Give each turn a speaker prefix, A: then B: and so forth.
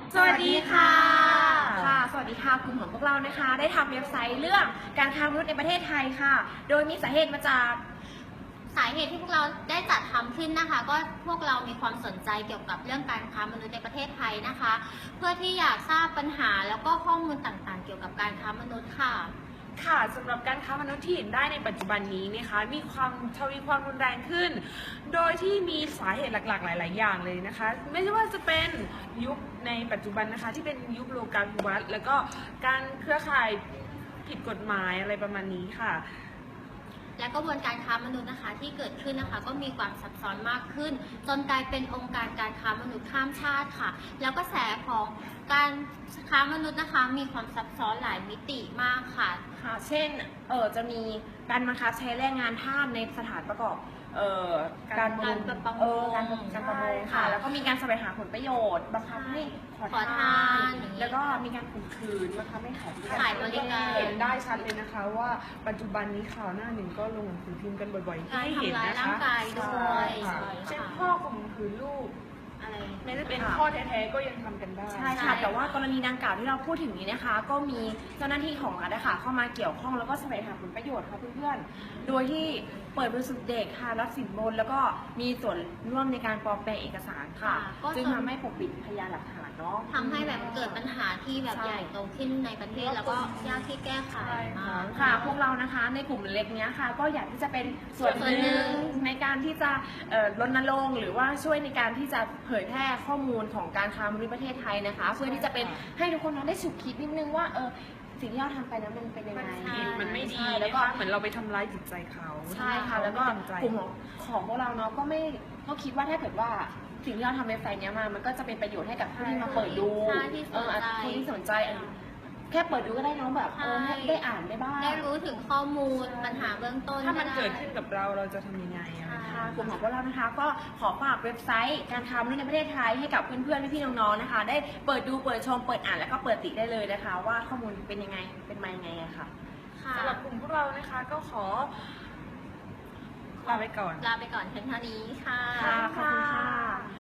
A: สวัสดีค่ะสวัสดีค่ะกลุ่มของพวกเรานะคะได้ทำเว็บไซต์เรื่องการค้ามนุษย์ในประเทศไทยค่ะโดยมีสาเหตุมาจาก
B: สาเหตุที่พวกเราได้จัดทำขึ้นนะคะก็พวกเรามีความสนใจเกี่ยวกับเรื่องการค้ามนุษย์ในประเทศไทยนะคะเพื่อที่อยากทราบปัญหาแล้วก็ข้อมูลต่างๆเกี่ยวกับการค้ามนุษย์ค่ะ
C: ค่ะสำหรับการค้ามนุษย์ที่เห็นได้ในปัจจุบันนี้นะคะมีความทวีความรุนแรงขึ้นโดยที่มีสาเหตุหลักๆหลายๆอย่างเลยนะคะไม่ใช่ว่าจะเป็นยุคในปัจจุบันนะคะที่เป็นยุคโลกาภิวัตน์แล้วก็การเครือข่ายผิดกฎหมายอะไรประมาณนี้ค่ะ
B: และกระบวนการค้ามนุษย์นะคะที่เกิดขึ้นนะคะก็มีความซับซ้อนมากขึ้นจนกลายเป็นองค์การการค้ามนุษย์ข้ามชาติค่ะแล้วก็กระแสของการค้ามนุษย์นะคะมีความซับซ้อนหลายมิติมากค่ะ
A: เช่นจะมีการบังคับใช้แรงงานทาสในสถานประกอบการประมงค่ะแล้วก็มีการแสวงหาผลประโยชน์บังคับให้ขอทานแล้วก็มีการข่มขืนบังคับให้
B: ขายบริการ
C: เห็นได้ชัดเลยนะคะว่าปัจจุบันนี้ข่าวหน้าหนึ่งก็ลงหนังสือพิมพ์กันบ่อยๆให้เห็นนะคะ
B: ทำร้ายร่างกายด้วย
C: เช่นพ่อข่มขืนลูกไม่ได้เป็นพ่อแท้ๆก็ยังทำกันได้
A: ใช่ค่ะแต่ว่ากรณีดังกล่าวที่เราพูดถึงนี้นะคะก็มีเจ้าหน้าที่ของรัฐนะคะเข้ามาเกี่ยวข้องแล้วก็แสวงหาผลประโยชน์ค่ะเพื่อนๆโดยที่เปิดบริสุทธิ์เด็กค่ะรับสินบนแล้วก็มีส่วนร่วมในการปลอมแปลงเอกสารค่ะจึงทำให้ปกปิดพยานหลักฐานเนาะ
B: ทำให้แบบเกิดปัญหาที่แบบใหญ่โตขึ้นในประเทศแล้วก็ยากที่แก้ไขมาก
A: ค่ะพวกเรานะคะในกลุ่มเล็กเนี้ยค่ะก็อยากที่จะเป็นส่วนหนึ่งในการที่จะรณรงค์หรือว่าช่วยในการที่จะเผยแพร่ข้อมูลของการค้ามนุษย์ประเทศไทยนะคะเพื่อที่จะเป็นให้ทุกคนได้ฉุกคิดนิดนึงว่าสิ่งที่เราทำไปนั้นมันเป็นยังไง
C: มันไม่ดีแล้วก็เหมือนเราไปทำร้ายจิตใจเขา
A: ใช่ค่ะแล้วก็กลุ่มของพวกเราเนาะก็คิดว่าถ้าเกิดว่าสิ่งที่เราทำเว็บไซต์นี้มามันก็จะเป็นประโยชน์ให้กับผู้ที่มาเปิดดูผู้ที่สนใจแค่เปิดดูก็ได้น้องแบบให้ได้อ่านได้บ้าง
B: ได้รู้ถึงข้อมูลปัญหาเบื้องต้น
C: ถ้ามันเกิดขึ้นกับเราจะทำยังไง
A: กลุ่มของพวกเรานะคะก็ขอฝากเว็บไซต์การค้ามนุษย์ในประเทศไทยให้กับเพื่อนๆพี่ๆน้องๆนะคะได้เปิดดูเปิดชมเปิดอ่านแล้วก็เปิดติได้เลยนะคะว่าข้อมูลเป็นยังไงเป็นมายังไงค่ะ
C: สำหรับกลุ่มพวกเรานะคะก็ขอลาไปก่อน
B: เพียงเท่านี้ค่ะ
A: ขอบคุณค่ะ